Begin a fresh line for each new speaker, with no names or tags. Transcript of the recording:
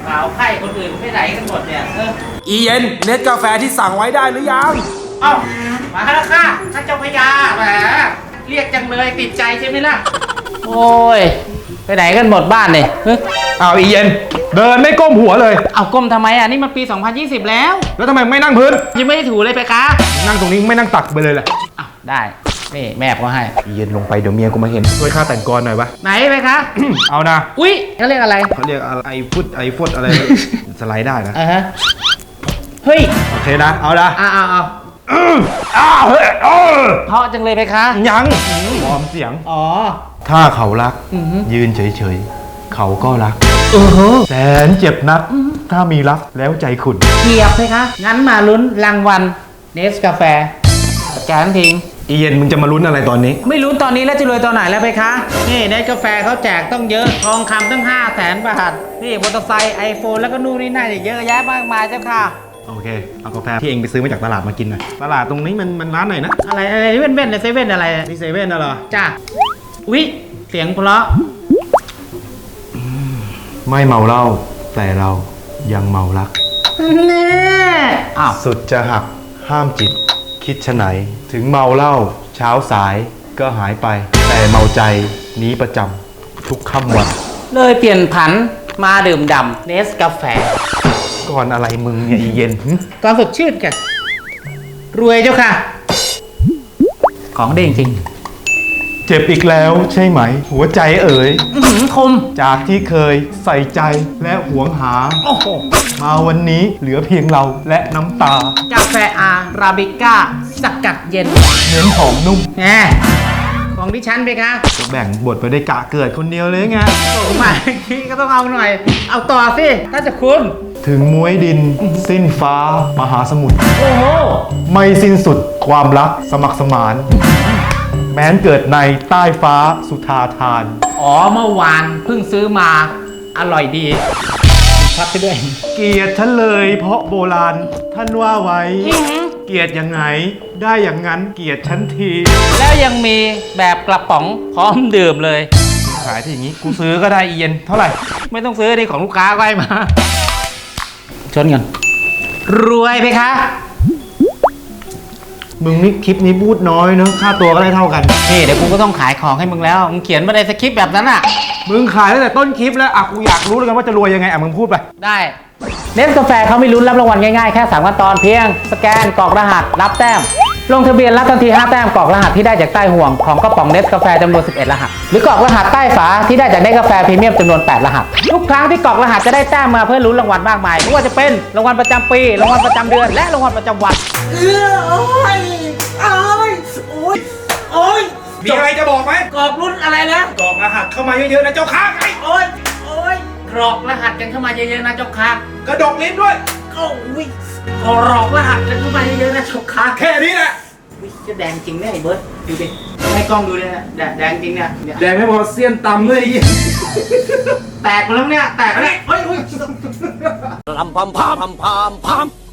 สาวไข้คนอื่นไปไหนกันหมดเนี่ย
อีเย็นเน็ตกาแฟที่สั่งไว้ได้หรือยัง
เอ้ามาแล้วค่ะท่านเจ้าพญาแหมเรียกจังเลยติดใจใช่ไหมล่ะโอ้ยไปไหนกันหมดบ้านเนี่ย
อ้าวอีเย็นเดินไม่ก้มหัวเลย
เอาก้มทำไมอ่ะนี่มันปี2020แล้ว
แล้วทำไมไม่นั่งพื้น
ยังไม่ได้ถูเลยไปคะ
นั่งตรงนี้ไม่นั่งตักไปเลยแหละ
อ้าวได้นี่แม่ก็ให้
อีเย็นลงไปเดี๋ยวเมียกูมาเห็นช่วยค่าแต่งกรหน่อยวะ
ไหนไปคะ
เอานะ
อุ๊ยเขาเรียกอะไร
เขาเรียกไอฟุตอะไร สไลด์ได้นะ
เฮ้ย
โอเคนะเอาละ
เฮ้ยเพราะจังเลยไปคะ
ยังวอร์มเสียง
อ๋อ
ถ้าเขารักยืนเฉยๆเขาก็รักแสนเจ็บนักถ้ามีรักแล้วใจขุ่น
เกียบไหมคะงั้นมาลุ้นรางวัลเนสกาแฟแกนทิ้ง
อีเย็นมึงจะมาลุ้นอะไรตอนนี้
ไม่ลุ้นตอนนี้แล้วจะรวยตอนไหนแล้วไปคะนี่เนสกาแฟเขาแจกต้องเยอะทองคำตั้ง500,000 บาทนี่มอเตอร์ไซค์ไอโฟนแล้วก็นู่นนี่นั่นเยอะแยะมากมายเจ้าค่ะ
โอเคเอากาแฟที่เองไปซื้อมาจากตลาดมากินหน่อยตลาดตรงนี้มันร้านไหนนะ
อะไรเว่นเซเว่นอะไร
นี่เซเว่นน่ะเหรอ
จ้าอุ๊ยเสียงเพราะ
ไม่เมาเหล้าแต่เรายังเมารัก
แน่
สุดจะหักห้ามจิตคิดชะไหนถึงเมาเหล้าเช้าสายก็หายไปแต่เมาใจนี้ประจำทุกค่ำวัน
เลยเปลี่ยนผันมาดื่มด่ำเนสกาแฟ
ก่อนอะไรมึงเนี่ยอีเย็น
ก่อนสดชื่นกันรวยเจ้าค่ะของเด้งจริง
เจ็บอีกแล้วใช่ไหมหัวใจเอ๋ย
คม
จากที่เคยใส่ใจและหวงหามาวันนี้เหลือเพียงเราและน้ำตาก
าแฟอาราบิก้าสกัดเย็น
เน้นหอมนุ่ม
แหมของดิฉันไปคะ
ก็แบ่งบทไปได้กะเกิดคนเดียวเลยไง
ส่งมาทีก็ต้องเอาหน่อยเอาต่อสิถ้าจะคุณ
ถึงม้วยดินสิ้นฟ้ามหาสมุทร
โอ้โห
ไม่สิ้นสุดความรักสมัครสมานแม้นเกิดในใต้ฟ้าสุธาทาน
อ๋อเมื่อวานเพิ่งซื้อมาอร่อยดีพักไปด้วย
เกลียดฉันเลยเพราะโบราณท่านว่าไว้เกลียดยังไงได้อย่างนั้นเกลียดฉันที
แล้วยังมีแบบกระป๋องพร้อมดื่มเลย
ขายที่อย่างนี้กูซื้อก็ได้อีเย็นเท่าไหร่
ไม่ต้องซื้อดิของลูกค้าก็ให้มาชนกันรวยไปคะ
มึงนี่คลิปนี้พูดน้อยเนอะค่าตัวก็ได้เท่ากัน
นี่เดี๋ยวกูก็ต้องขายของให้มึงแล้วมึงเขียนมาในสคริปต์แบบนั้นอ่ะ
มึงขายตั้งแต่ต้นคลิปแล้วกูอยากรู้แล้วกันว่าจะรวยยังไงมึงพูดไป
ได้เนสกาแฟเขาไม่ลุ้นรับรางวัลง่ายๆแค่3ขั้นตอนเพียงสแกนกรอกรหัสรับแต้มลงทะเบียนรับทันที5 แต้มกรอกรหัสที่ได้จากใต้ห่วงของกระป๋องเนสกาแฟจำนวน11รหัสหรือกรอกรหัสใต้ฝาที่ได้จากเนสกาแฟพรีเมียมจำนวน8รหัสทุกครั้งที่กรอกรหัสจะได้แต้มมาเพื่อลุ้นรางวัลมากมายไม่ว่าจะเป็นรางวัลประจำปีรางวัลประจำเดือนและรางวัลประจำวันโอ้ย
มีอะไรจะบอกไหม
กรอกรุ่นอะไรนะ
กรอกรหัสเข้ามาเยอะๆนะเจ้าค้าไง
โอ้ยกรอกรหัสกันเข้ามาเยอะๆนะเจ้าค้
ากระดกลิ้นด้วย
โอ้ยกรอกรหัสกันเข้ามาเยอะๆนะเจ้าค้า
แค่นี้แหละ
จะแดงจริงเนี่ยไอ้เบิร์ดดูดิให้กล้องดูเลยนะแดงจริงเนี่ย
แดงไม่พอเสี้ยนตำเลย
แตกมาแล้วเนี่ยแตกแล้ว
เฮ้ย
ลำพาม